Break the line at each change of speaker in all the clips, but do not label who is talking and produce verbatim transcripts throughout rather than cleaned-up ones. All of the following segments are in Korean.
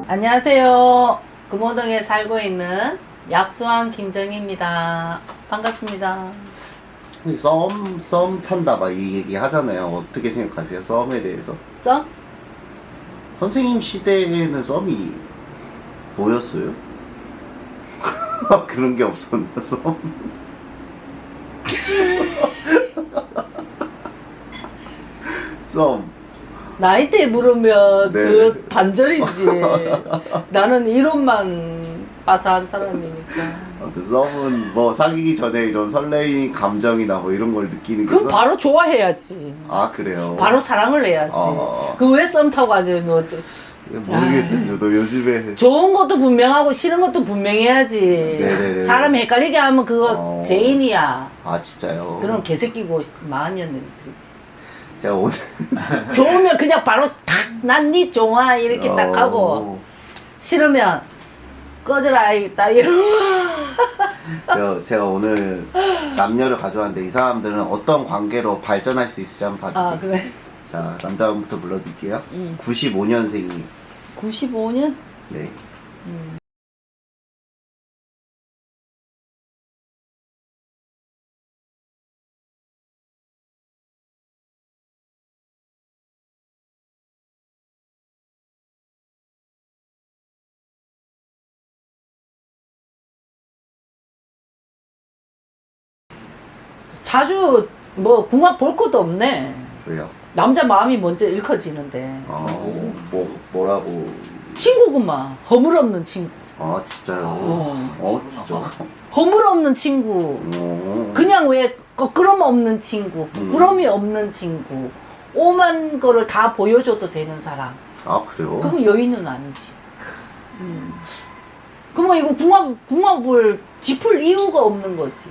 안녕하세요. 금호동에 살고 있는 약수왕 김정희입니다. 반갑습니다.
썸, 썸 탄다 막 이 얘기 하잖아요. 어떻게 생각하세요? 썸에 대해서?
썸?
선생님 시대에는 썸이 뭐였어요? 그런 게 없었나, 썸? 썸.
나이대 물으면
네.
그 반절이지. 나는 이론만 빠사한 사람이니까.
아무튼 썸은 뭐 사귀기 전에 이런 설레임 감정이나 뭐 이런 걸 느끼는 게
그럼
썸?
바로 좋아해야지.
아, 그래요?
바로 사랑을 해야지.
어.
그 왜 썸 타고 가지고 너
모르겠어요. 너 요즘에
좋은 것도 분명하고 싫은 것도 분명해야지.
네네네.
사람 헷갈리게 하면 그거
어.
죄인이야.
아, 진짜요?
그럼 개새끼고 마흔년들이 들지.
제가 오늘
좋으면 그냥 바로 탁난 니 좋아 이렇게 딱 하고
어.
싫으면 꺼져라 딱 이러고.
제가, 제가 오늘 남녀를 가져왔는데 이 사람들은 어떤 관계로 발전할 수 있을지 한번 봐주세요.
아 그래.
자, 남자분부터 불러드릴게요.
응.
구십오 년생이.
구십오 년?
네.
음. 자주 뭐 궁합 볼 것도 없네.
왜요?
남자 마음이 먼저 일커지는데
어, 뭐, 뭐라고.
친구구만. 허물없는 친구.
아, 진짜요?
어.
어, 진짜.
허물없는 친구.
어.
그냥 왜 거끄럼 없는 친구, 부끄럼이 없는 친구, 오만 거를 다 보여줘도 되는 사람.
아, 그래요?
그러면 여인은 아니지. 음. 그러면 이거 궁합, 궁합을 짚을 이유가 없는 거지.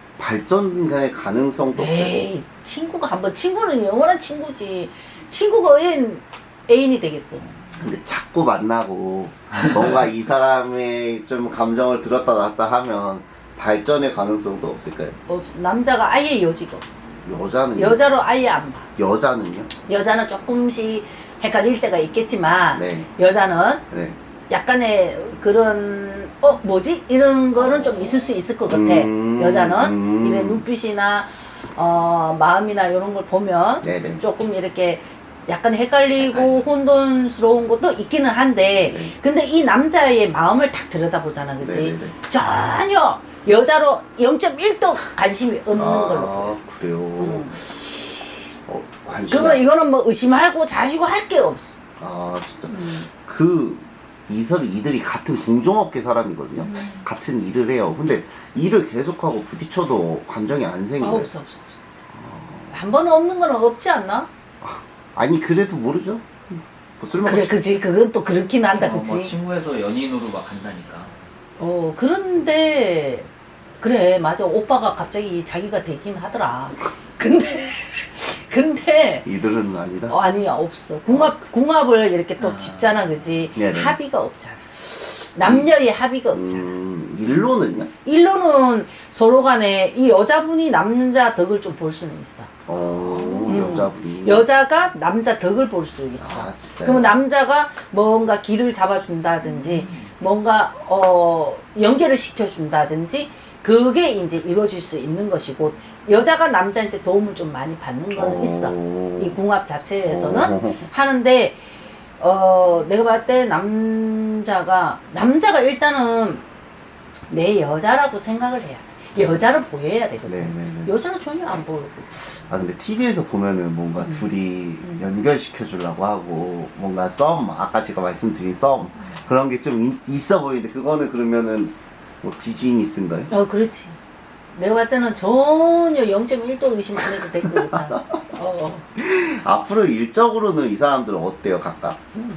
발전의 가능성도 없고.
에이, 친구가 한번, 친구는 영원한 친구지. 친구가 애인, 애인이 되겠어.
근데 자꾸 만나고 뭔가 이 사람의 좀 감정을 들었다 놨다 하면 발전의 가능성도 없을까요?
없어. 남자가 아예 여지가 없어.
여자는요?
여자로 아예 안 봐.
여자는요?
여자는 조금씩 헷갈릴 때가 있겠지만,
네.
여자는
네.
약간의 그런 어 뭐지 이런 거는 좀 있을 수 있을 것 같아.
음,
여자는
음.
이래 눈빛이나 어 마음이나 이런 걸 보면
네네.
조금 이렇게 약간 헷갈리고 혼돈스러운 것도 있기는 한데,
네.
근데 이 남자의 마음을 딱 들여다보잖아, 그치?
네네네.
전혀 여자로 영 점 일 도 관심이 없는
아,
걸로 보여.
그래요.
음.
어, 관심.
그거 이거는 뭐 의심하고 자시고 할 게 없어.
아, 진짜.
음.
그 이설 이들이 같은 동종업계 사람이거든요.
음.
같은 일을 해요. 근데 일을 계속하고 부딪혀도 감정이 안
아,
생겨요.
없어, 없어, 없어. 한 번 없는 거는 없지 않나?
아니 그래도 모르죠. 뭐 술 먹었
그래, 그지. 그건 또 그렇긴 한다,
어, 뭐
그치?
친구에서 연인으로 막 간다니까.
어, 그런데, 그래, 맞아. 오빠가 갑자기 자기가 되긴 하더라. 근데, 근데,
이들은 아니다.
어, 아니야, 없어. 궁합, 궁합을 이렇게 또
아.
짚잖아, 그지?
네네.
합의가 없잖아. 남녀의 합의가 없잖아.
음, 일로는요?
일로는 서로 간에 이 여자분이 남자 덕을 좀 볼 수는 있어.
어,
음.
여자분이.
여자가 남자 덕을 볼 수 있어.
아, 진짜.
그러면 남자가 뭔가 길을 잡아준다든지, 뭔가, 어, 연결을 시켜준다든지, 그게 이제 이루어질 수 있는 것이고, 여자가 남자한테 도움을 좀 많이 받는 거는 있어. 이 궁합 자체에서는 하는데, 어, 내가 봤을 때 남자가, 남자가 일단은 내 여자라고 생각을 해야 돼. 여자로 보여야 되거든.
네네네.
여자는 전혀 안 보이고.
아 근데 티비에서 보면은 뭔가
음.
둘이
음.
연결시켜 주려고 하고 뭔가 썸 아까 제가 말씀드린 썸 그런 게 좀 있어 보이는데 그거는 그러면은 뭐 비즈니스인가요?
어, 그렇지. 내가 봤을 때는 전혀 영 점 일 도 의심 안 해도 될 것 같아. 어.
앞으로 일적으로는 이 사람들은 어때요 각각?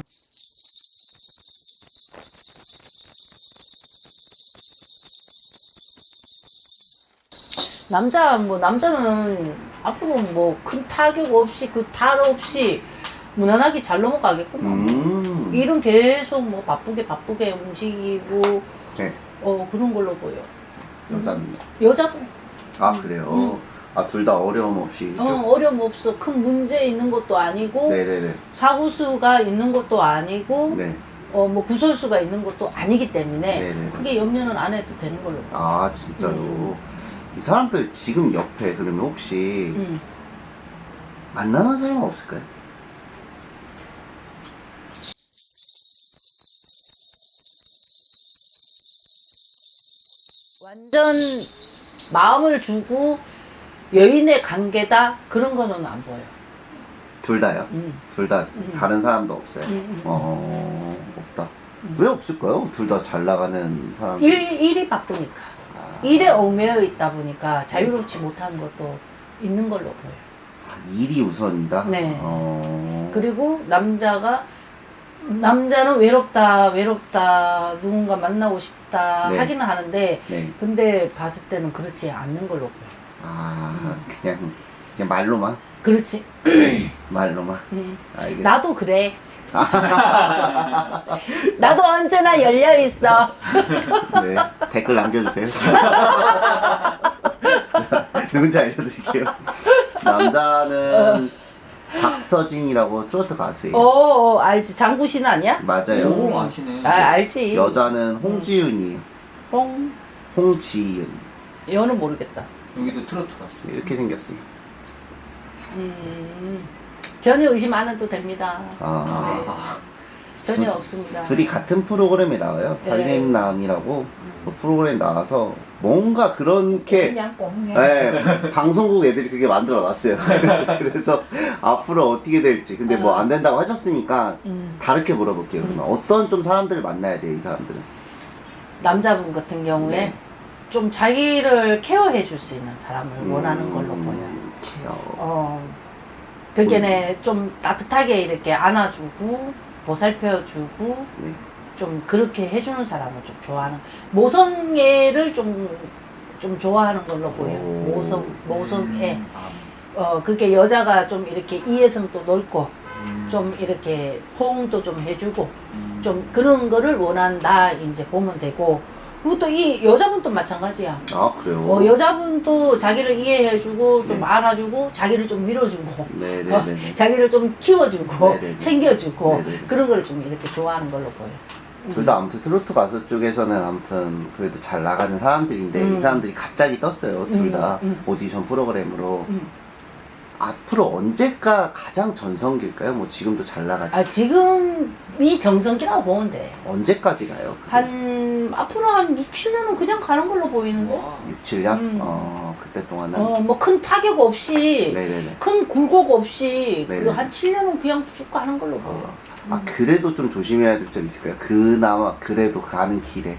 남자, 뭐, 남자는 앞으로 뭐, 큰 타격 없이, 그 탈 없이 무난하게 잘 넘어가겠구만.
음.
일은 계속 뭐, 바쁘게 바쁘게 움직이고,
네.
어, 그런 걸로 보여.
여자는요?
여자도,
아 그래요?
음.
아 둘 다 어려움 없이
어,
좀-
어려움 없어. 큰 문제 있는 것도 아니고,
네네네.
사고수가 있는 것도 아니고,
네.
어, 뭐 구설수가 있는 것도 아니기 때문에
네네네.
크게 염려는 안 해도 되는 걸로 봐요.
아 진짜요?
음.
이 사람들 지금 옆에 그러면 혹시
음.
만나는 사람 없을까요?
완전 마음을 주고 여인의 관계다 그런 거는 안 보여.
둘 다요?
음.
둘 다
음.
다른 사람도 없어요?
음, 음.
어 없다.
음.
왜 없을까요? 둘 다 잘 나가는 사람.
일, 일이 바쁘니까.
아,
일에 얽매여 있다 보니까 자유롭지 못한 것도 있는 걸로 보여요.
아, 일이 우선이다.
네.
어...
그리고 남자가 남자는 외롭다 외롭다 누군가 만나고 싶다
네.
하기는 하는데
네.
근데 봤을 때는 그렇지 않는 걸로 보여요.
아 그냥 그냥 말로만
그렇지.
말로만.
음.
알겠어.
나도 그래. 나도 언제나 열려 있어.
네. 댓글 남겨주세요. 누군지 알려드릴게요. 남자는 박서진이라고 트로트 가수예요.
어, 알지. 장구신 아니야?
맞아요.
오 아시네.
아, 알지.
여자는 홍지윤이에요.
홍.
홍지윤.
여는 모르겠다.
여기도 트로트 가수.
이렇게 생겼어요.
음. 전혀 의심 안 해도 됩니다.
아.
네.
아,
전혀
둘-
없습니다.
둘이 같은 프로그램에 나와요.
네.
살림남이라고 그 프로그램 나와서 뭔가 그렇게
그냥 꽁냥.
네, 방송국 애들이 그게 만들어 놨어요. 그래서 앞으로 어떻게 될지. 근데 뭐 안 된다고 하셨으니까
음.
다르게 물어볼게요. 그러면 어떤 좀 사람들을 만나야 돼요, 이 사람들은?
남자분 같은 경우에
네.
좀 자기를 케어해 줄 수 있는 사람을
음,
원하는 걸로 보여요.
케어.
어, 그게네 좀 따뜻하게 이렇게 안아주고 보살펴주고
네.
좀 그렇게 해주는 사람을 좀 좋아하는 모성애를 좀 좀 좋아하는 걸로 보여요.
오.
모성 모성애.
음, 아,
어 그게 여자가 좀 이렇게 이해성도 넓고
음,
좀 이렇게 호응도 좀 해주고
음.
좀 그런 거를 원한다 이제 보면 되고 그리고 또 이 여자분도 마찬가지야.
아, 그래요?
어, 여자분도 자기를 이해해주고 좀
네.
안아주고 자기를 좀 밀어주고
네네네.
자기를 좀 키워주고
네네네.
챙겨주고
네네네.
그런 걸 좀 이렇게 좋아하는 걸로 보여.
둘 다 아무튼 트로트 가수 쪽에서는 아무튼 그래도 잘 나가는 사람들인데
음.
이 사람들이 갑자기 떴어요. 둘 다
음, 음.
오디션 프로그램으로.
음.
앞으로 언제가 가장 전성기일까요? 뭐 지금도 잘 나가지.
아 지금이 정성기라고 보면 돼.
언제까지 가요? 그게?
한 앞으로 한 육, 칠 년은 그냥 가는 걸로 보이는데.
와.
육, 칠 년?
음.
어, 그때 동안은.
어 뭐 큰 타격 없이
네네네.
큰 굴곡 없이
네네.
그한 칠 년은 그냥 쭉 가는 걸로 보여.
어. 아, 그래도 좀 조심해야 될 점 있을까요? 그나마 그래도 가는 길에.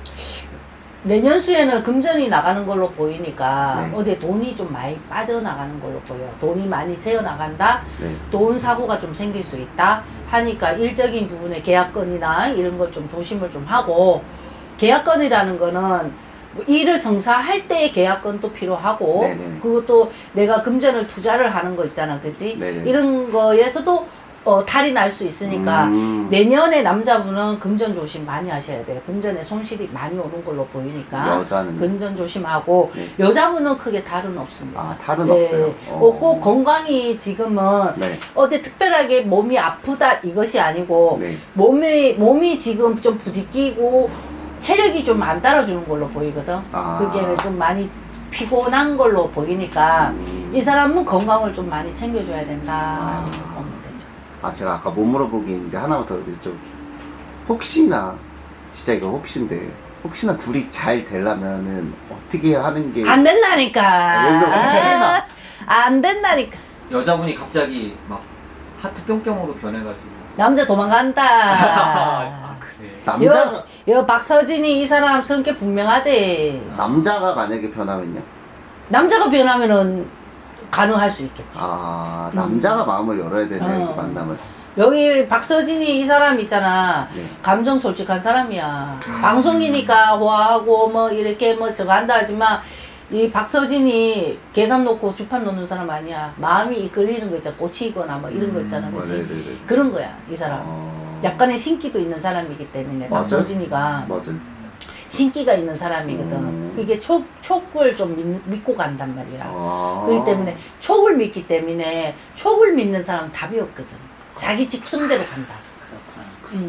내년수에는 금전이 나가는 걸로 보이니까
네.
어디에 돈이 좀 많이 빠져나가는 걸로 보여. 돈이 많이 새어나간다.
네.
돈 사고가 좀 생길 수 있다 하니까 일적인 부분에 계약건이나 이런 걸 좀 조심을 좀 하고 계약건이라는 거는 뭐 일을 성사할 때의 계약건도 필요하고
네네.
그것도 내가 금전을 투자를 하는 거 있잖아 그지
네네.
이런 거에서도 어, 탈이 날 수 있으니까
음.
내년에 남자분은 금전 조심 많이 하셔야 돼요. 금전에 손실이 많이 오는 걸로 보이니까
여자는.
금전 조심하고
네.
여자분은 크게 탈은 없습니다.
아, 탈은
네.
없어요. 어.
어, 꼭 건강이 지금은
네.
어디 특별하게 몸이 아프다 이것이 아니고
네.
몸이 몸이 지금 좀 부딪히고 체력이 좀 안 따라주는 걸로 보이거든.
아.
그게 좀 많이 피곤한 걸로 보이니까
음.
이 사람은 건강을 좀 많이 챙겨줘야 된다.
아.
이렇게 보면 되죠.
아, 제가 아까 못 물어보기 있는데 하나만 더 여쭤볼게요. 혹시나, 진짜 이거 혹시인데, 혹시나 둘이 잘 되려면은 어떻게 하는 게.
안 된다니까.
아, 혹시나.
아, 안 된다니까.
여자분이 갑자기 막 하트 뿅뿅으로 변해가지고.
남자 도망간다.
아 그래.
남자가,
여, 여 박서진이 이 사람 성격 분명하대.
남자가 만약에 변하면요?
남자가 변하면은 가능할 수 있겠지.
아, 남자가 마음을 열어야 되네요,
어.
이렇게 만남을.
여기 박서진이 이 사람 있잖아.
네.
감정 솔직한 사람이야.
음.
방송이니까 호화하고 뭐 이렇게 뭐 저거 한다 하지만 이 박서진이 계산 놓고 주판 놓는 사람 아니야. 마음이 이끌리는 거 있잖아. 꽂히거나 뭐 이런 거 있잖아.
어,
그치?
네네네.
그런 거야, 이 사람.
어.
약간의 신기도 있는 사람이기 때문에
맞아요.
박서진이가
맞아요.
신기가 있는 사람이거든.
음.
그게 촉, 촉을 좀 믿, 믿고 간단 말이야.
아.
그렇기 때문에 촉을 믿기 때문에 촉을 믿는 사람 답이 없거든. 자기 직성대로 간다.
그렇구나.
음.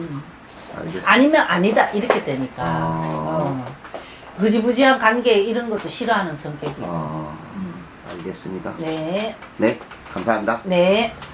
알겠습니다.
아니면 아니다 이렇게 되니까
아.
어. 흐지부지한 관계 이런 것도 싫어하는 성격이고.
아, 알겠습니다.
네,
네, 감사합니다.
네.